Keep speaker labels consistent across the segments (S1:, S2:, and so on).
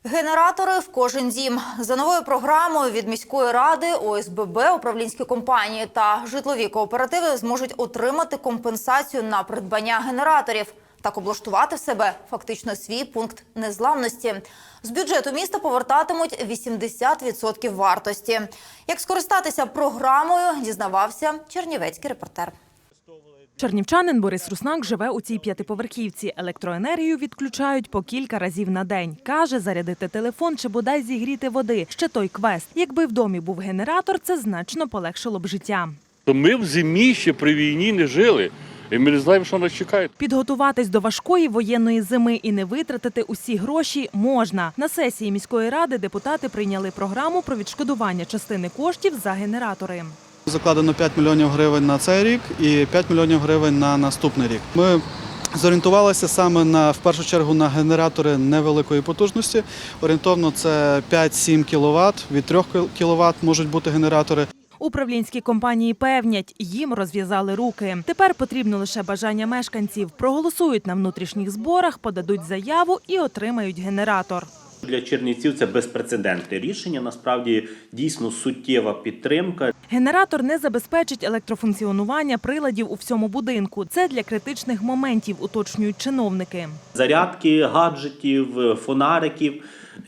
S1: Генератори в кожен дім. За новою програмою від міської ради ОСББ, управлінські компанії та житлові кооперативи зможуть отримати компенсацію на придбання генераторів. Так облаштувати в себе фактично свій пункт незламності. З бюджету міста повертатимуть 80% вартості. Як скористатися програмою, дізнавався чернівецький репортер.
S2: Чернівчанин Борис Руснак живе у цій п'ятиповерхівці. Електроенергію відключають по кілька разів на день. Каже, зарядити телефон чи бодай зігріти води – ще той квест. Якби в домі був генератор, це значно полегшило б життя.
S3: Ми в зимі ще при війні не жили. І ми не знаємо, що нас чекає.
S2: Підготуватись до важкої воєнної зими і не витратити усі гроші можна. На сесії міської ради депутати прийняли програму про відшкодування частини коштів за генератори.
S4: Закладено 5 мільйонів гривень на цей рік і 5 мільйонів гривень на наступний рік. Ми зорієнтувалися саме в першу чергу на генератори невеликої потужності. Орієнтовно це 5-7 кВт, від 3 кВт можуть бути генератори.
S2: Управлінські компанії певнять, їм розв'язали руки. Тепер потрібно лише бажання мешканців. Проголосують на внутрішніх зборах, подадуть заяву і отримають генератор.
S5: Для чернівців це безпрецедентне рішення, насправді дійсно суттєва підтримка.
S2: Генератор не забезпечить електрофункціонування приладів у всьому будинку. Це для критичних моментів, уточнюють чиновники.
S5: Зарядки, гаджетів, фонариків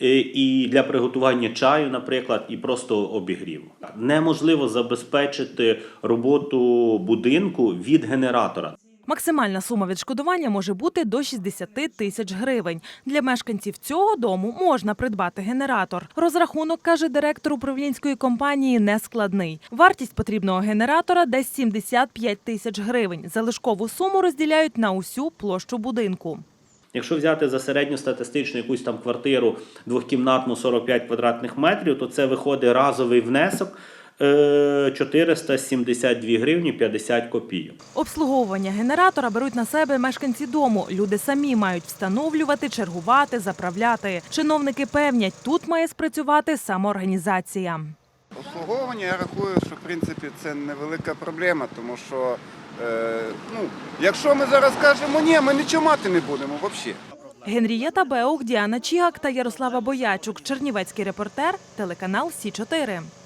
S5: і для приготування чаю, наприклад, і просто обігріву. Неможливо забезпечити роботу будинку від генератора.
S2: Максимальна сума відшкодування може бути до 60 тисяч гривень. Для мешканців цього дому можна придбати генератор. Розрахунок, каже директор управлінської компанії, нескладний. Вартість потрібного генератора – десь 75 тисяч гривень. Залишкову суму розділяють на усю площу будинку.
S5: Якщо взяти за середньостатистичну якусь там квартиру двохкімнатну 45 квадратних метрів, то це виходить разовий внесок 472 гривні 50 копійок.
S2: Обслуговування генератора беруть на себе мешканці дому. Люди самі мають встановлювати, чергувати, заправляти. Чиновники певнять, тут має спрацювати самоорганізація.
S6: Обслуговування, я рахую, що в принципі це невелика проблема, тому що якщо ми зараз кажемо ні, ми нічого мати не будемо взагалі.
S2: Генрієта Беух, Діана Чігак та Ярослава Боячук. Чернівецький репортер, телеканал Сі 4.